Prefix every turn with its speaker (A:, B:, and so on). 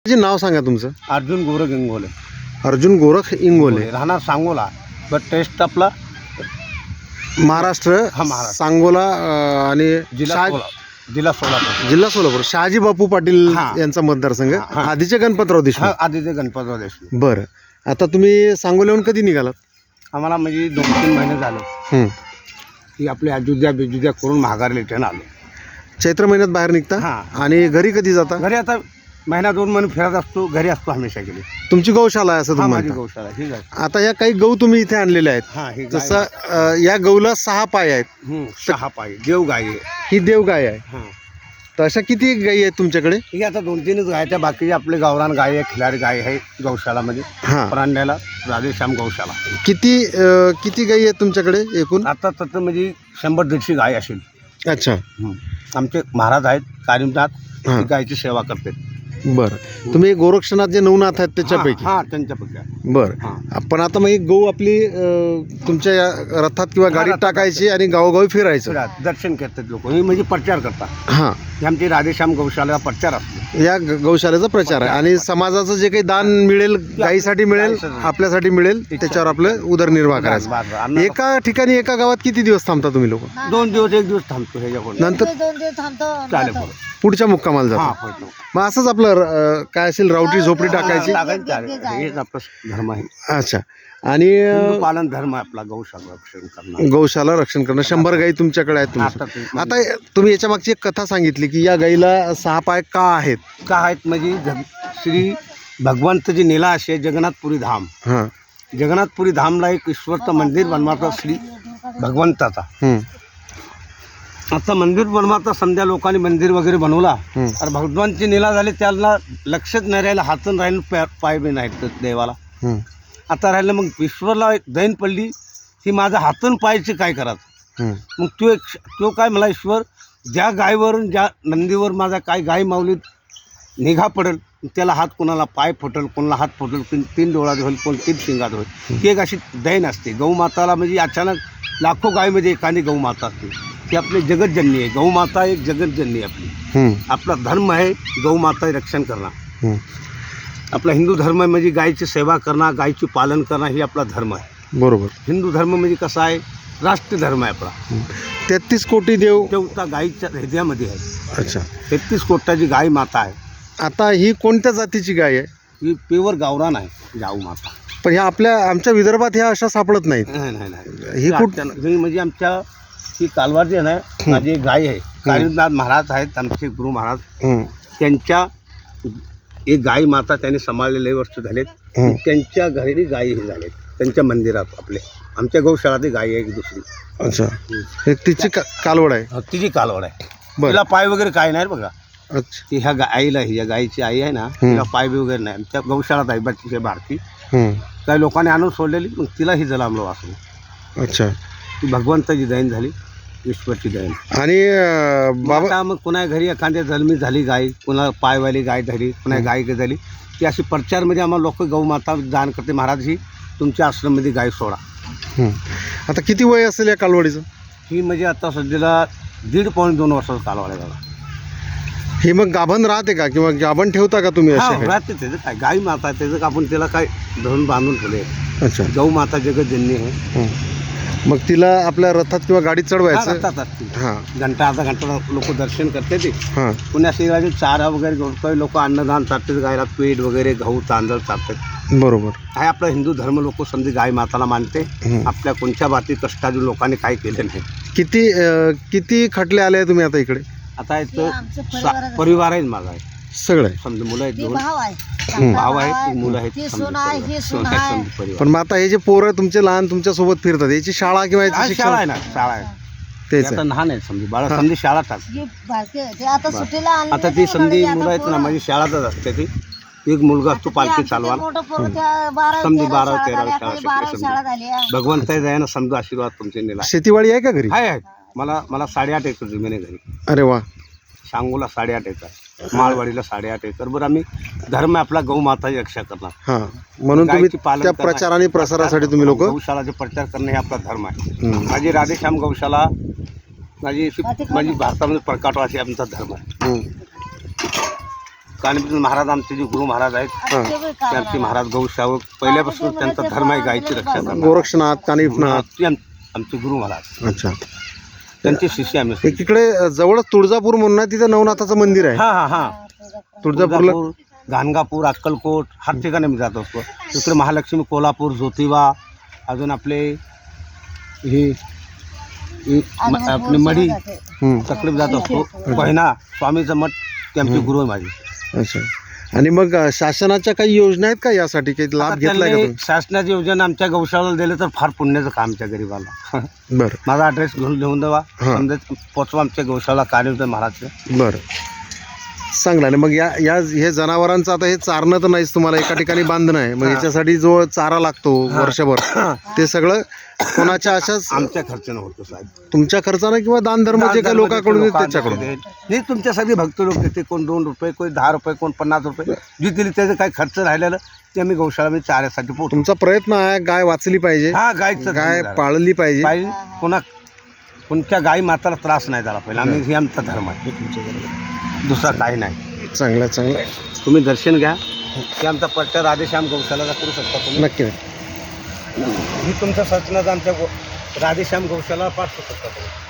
A: जे नाव सांगा तुमचं.
B: अर्जुन गोरख इंगोले.
A: अर्जुन गोरख इंगोले,
B: राहणार सांगोला, बट टेस्ट आपला
A: महाराष्ट्र.
B: हा, महाराष्ट्र.
A: सांगोला आणि
B: जिल्हा सोलापूर.
A: जिल्हा सोलापूर. शहाजी बापू पाटील
B: हा.
A: यांचा मतदारसंघ.
B: हा.
A: आधीचे गणपतराव देशमुख.
B: हा, आदित्य गणपतराव देशमुख.
A: बरं, आता तुम्ही सांगोल्याहून कधी निघालात?
B: आम्हाला म्हणजे 2-3 महिने झालं की आपले अयोध्या करून महागारी रिटर्न आलो.
A: चैत्र महिन्यात बाहेर निघता
B: हा.
A: आणि घरी कधी जाता?
B: घरी आता महिना 2 महिने फिरत असतो, घरी असतो हमेशा गेली.
A: तुमची गौशाला आहे असं
B: हा,
A: तुम्ही
B: माझी
A: म्हणता.
B: गौशाला ही आहे.
A: आता या काही गहू तुम्ही इथे आणलेले आहेत.
B: हा, ही गाय.
A: जसं या गहूला 6 पाय आहेत.
B: 6 पाय देव गाय आहे.
A: ही देव गाय आहे.
B: हा,
A: तर अशा किती गायी आहेत तुमच्याकडे?
B: ही आता 2-3च गाय. त्या बाकीचे आपले गावरान गाय आहे, खिलारी गाय आहे गौशालामध्ये.
A: हा.
B: परांड्याला राधेश्याम गौशाला.
A: किती गायी आहेत तुमच्याकडे एकूण?
B: आता तर म्हणजे 100-150 गाय असेल.
A: अच्छा.
B: आमचे महाराज आहेत कारिमनाथ,
A: हा.
B: ते गायची सेवा करते.
A: बरं, तुम्ही गोरक्षनाथ जे नवनाथ आहेत त्याच्यापैकी?
B: हा, त्यांच्यापैकी.
A: बरं, पण आता मग ही गहू आपली तुमच्या या रथात किंवा गाडीत
B: रथात
A: टाकायची आणि गावोगावी फिरायचं.
B: दर्शन करतात लोक, ही म्हणजे प्रचार करतात.
A: हां,
B: ही आमची राधेश्याम गौशाला प्रचार असतो.
A: या गौशालेचा प्रचार आहे आणि समाजाचं जे काही दान मिळेल, गायीसाठी मिळेल, आपल्यासाठी मिळेल, त्याच्यावर आपलं उदरनिर्वाह करायचं. एका ठिकाणी एका गावात किती दिवस थांबता तुम्ही लोक?
B: 2 दिवस 1 दिवस थांबतो ह्याच्याकडून.
A: नंतर
C: 2 दिवस थांबतो.
B: चालेल बरं.
A: पुढच्या मुक्कामाला
B: हा,
A: जातो.
B: पडतो.
A: मग असंच आपलं काय असेल, रावटी झोपडी टाकायची.
B: हेच आपलं धर्म आहे.
A: अच्छा. आणि
B: हिंदू पालन धर्म आहे आपला, गौशाला रक्षण करणं.
A: गौशाला रक्षण करणं. 100 गायी तुमच्याकडे आहेत तुमच्या. आता तुम्ही याच्या मागची एक कथा सांगितली की या गाईला 6 पाय का आहेत?
B: का आहेत म्हणजे श्री भगवंतची नीला असे जगन्नाथपुरी धाम.
A: हां.
B: जगन्नाथपुरी धामला एक ईश्वरचं मंदिर बनवायचं श्री भगवंताचा. आता मंदिर बनवायचा समजा लोकांनी मंदिर वगैरे बनवला, तर भगवानची नीला झाली, त्याला लक्षच नाही राहिलं, हातून राहिलं, पाय बी नाहीत देवाला. आता राहिलं मग ईश्वरला एक दैन पडली की माझा हातून पायचे काय करायचं. मग तो काय मला ईश्वर ज्या गायवरून ज्या नंदीवर माझा काय गाय माऊलीत निघा पडेल, त्याला हात कोणाला पाय फुटल, कोणाला हात फुटल, 3 डोळ्यात होईल, कोण 3 शिंगात होईल. ती एक अशी दैन असते. गौमाताला म्हणजे अचानक लाखो गायमध्ये एखादी गौमाता असते. ती आपली जगतजननी आहे. गौमाता एक जगतजननी आहे आपली. आपला धर्म आहे गौमाता रक्षण करणं. आपला हिंदू धर्म म्हणजे गायची सेवा करणं, गायची पालन करणं, ही आपला धर्म आहे.
A: बरोबर.
B: हिंदू धर्म म्हणजे कसा आहे, राष्ट्रीय धर्म आहे आपला.
A: 33 कोटी देव
B: देवता गायीच्या हृदयामध्ये आहे.
A: अच्छा.
B: 33 कोटाची गाय माता आहे.
A: आता ही कोणत्या जातीची गाय आहे?
B: ही प्युअर गावरान आहे जाऊ माता.
A: पण ह्या आमच्या विदर्भात ह्या अशा सापडत नाहीत.
B: नाही.
A: ही
B: ही म्हणजे आमच्या ही कालवारची आहे ना, माझी एक गाय आहे. कारिमनाथ महाराज आहेत आमचे गुरु महाराज. त्यांच्या एक गाय माता त्यांनी सांभाळलेले वर्ष झालेत. त्यांच्या घरी गाय हे झालेत, त्यांच्या मंदिरात आपले. आमच्या गौशाळात गाय आहे एक दुसरी.
A: अच्छा. तिची कालवड आहे?
B: तिची कालवड आहे.
A: बरं.
B: तिला पाय वगैरे काय नाही बघा.
A: अच्छा.
B: ती ह्या आईला, ह्या गायीची आई आहे ना, तिला पाय बी वगैरे नाही. त्या गौशाळात आहे बाकीचे भारती. काही लोकांनी आणून सोडलेली, मग तिलाही जलामलो वाचलो.
A: अच्छा.
B: ती भगवंताची दैन झाली, ईश्वरची दैन.
A: आणि बाबा
B: मग कुणा घरी एखाद्या जन्मी झाली गाय, कुणा पायवाली गाय झाली, कुणा गाय झाली, ती अशी प्रचारमध्ये आम्हाला लोक गौमाता दान करते. महाराज ही तुमच्या आश्रममध्ये गाय सोडा.
A: आता किती वय असेल या कालवडीचं?
B: ही म्हणजे आता सध्याला 1.5-2 वर्षाचा कालवड आहे.
A: ही मग गाभण राहते का किंवा गाभण ठेवता का तुम्ही?
B: राहते. त्याचं काय गाय माता आहे, त्याचं आपण त्याला काय धरून बांधून ठेवले.
A: अच्छा.
B: गौ माता जगतजननी आहे.
A: मग तिला आपल्या रथात किंवा गाडीत चढवायचं?
B: घंटा अर्धा घंटा लोक दर्शन करते. ते
A: हां.
B: पुण्या शहराचे चारा वगैरे घेऊन लोक अन्नदान चालतात, गायला पीठ वगैरे गहू तांदूळ चालतात.
A: बरोबर.
B: हा आपला हिंदू धर्म लोक समजे गाय माताला मानते. आपल्या कोणत्या बाबतीत कष्टाजून लोकांनी काय केलं नाही.
A: किती खटले आले तुम्ही आता इकडे?
B: आता परिवार आहे माझा,
A: सगळं
B: समजा मुलं आहेत, 2
C: भाव आहे,
B: भाव आहेत, मुलं आहेत.
A: पण मग आता हे जे पोरं तुमचे लहान तुमच्या सोबत फिरतात, याची शाळा किंवा याची
B: शाळा आहे ना, शाळा आहे.
A: तेच
B: आता लहान आहे समजा बाळा, समजी शाळा टाक.
C: आता सुट्टीला
B: आता ती समजी मुलं आहेत ना, माझी शाळातच असते. ती एक मुलगा असतो पालखी चालवा, समजी 12-13 शाळा. भगवंत दयानं समजा आशीर्वाद तुमचे नेला.
A: शेतीवाडी आहे का घरी?
B: आहे. मला 8.5 एकर जमीन आहे घरी.
A: अरे वा.
B: सांगोला 8.5 एकर, माळवाडीला 8.5 एकर. बरं, आम्ही धर्म आपला गौमाताची रक्षा करणार.
A: हां, म्हणून तुम्ही त्या प्रचार आणि प्रसारासाठी तुम्ही लोक
B: गौशालाचे प्रचार करणं हे आपला धर्म आहे. माझी राधेश्याम गौशाला माझी भारतामध्ये प्रकाटवासी आमचा धर्म आहे. कानिपचे महाराज आमचे जे गुरु महाराज आहेत
C: आता ते बी
B: ते आमचे महाराज गौशावक पहिल्यापासून त्यांचा धर्म आहे गायची रक्षा करणार.
A: गोरक्षनाथ कानिफनाथ.
B: ते आमचे गुरु महाराज
A: अच्छा.
B: त्यांचे शिष्य आम्ही.
A: एकीकडे जवळच तुळजापूर म्हणून आहे, तिथं नवनाथाचं मंदिर आहे.
B: हा हा हा
A: तुळजापूरला
B: गाणगापूर, अक्कलकोट हर ठिकाणी आम्ही जात असतो. इकडे महालक्ष्मी, कोल्हापूर, ज्योतिबा, अजून आपले हे आपली मढी तकडे जात असतो. पहिना स्वामीचं मठ ते आमचे गुरु आहे माझे.
A: अच्छा. आणि मग शासनाच्या काही योजना आहेत का यासाठी, काही लाभ घेतलाय का
B: त्यांनी
A: तुम्ही?
B: शासनाची योजना आमच्या गौशाळेला दिले तर फार पुण्याचं काम आमच्या गरीबाला.
A: बरं
B: माझा ॲड्रेस घेऊन लिहून द्यावा,
A: हा.
B: समजा पोचवा आमच्या गौशाळा कार्य महाराजचं.
A: बरं, चांगलं. आणि मग या हे जनावरांचं आता हे चारणं तर नाहीच, तुम्हाला एका ठिकाणी बांधणं आहे, मग याच्यासाठी जो चारा लागतो वर्षभर ते सगळं कोणाच्या अशाच
B: आमच्या खर्चानं होतो साहेब.
A: तुमच्या खर्चानं किंवा दान धर्म जे काही लोकांकडून येईल त्याच्याकडून?
B: नाही, तुमच्यासाठी भक्त लोक देते. कोण 2 रुपये, कोण 10 रुपये, कोण 50 रुपये जे दिले त्याचं काही खर्च राहिलेलं ते आम्ही गौशाळामध्ये चाऱ्यासाठी पोहोचतो.
A: तुमचा प्रयत्न आहे गाय वाचली पाहिजे,
B: हा, गायचं
A: गाय पाळली पाहिजे.
B: कोणत्या गाई माताला त्रास नाही झाला पाहिजे. आम्ही हे आमचा धर्म आहे, दुसरा काही नाही.
A: चांगलं चांगलं.
B: तुम्ही दर्शन घ्या. हे आमचा प्रचार राधेश्याम गौशाला करू शकता तुम्ही.
A: नक्की.
B: ही तुमच्या शासनाचा आमच्या राधेश्याम गौशाला पाठवू शकता तुम्ही.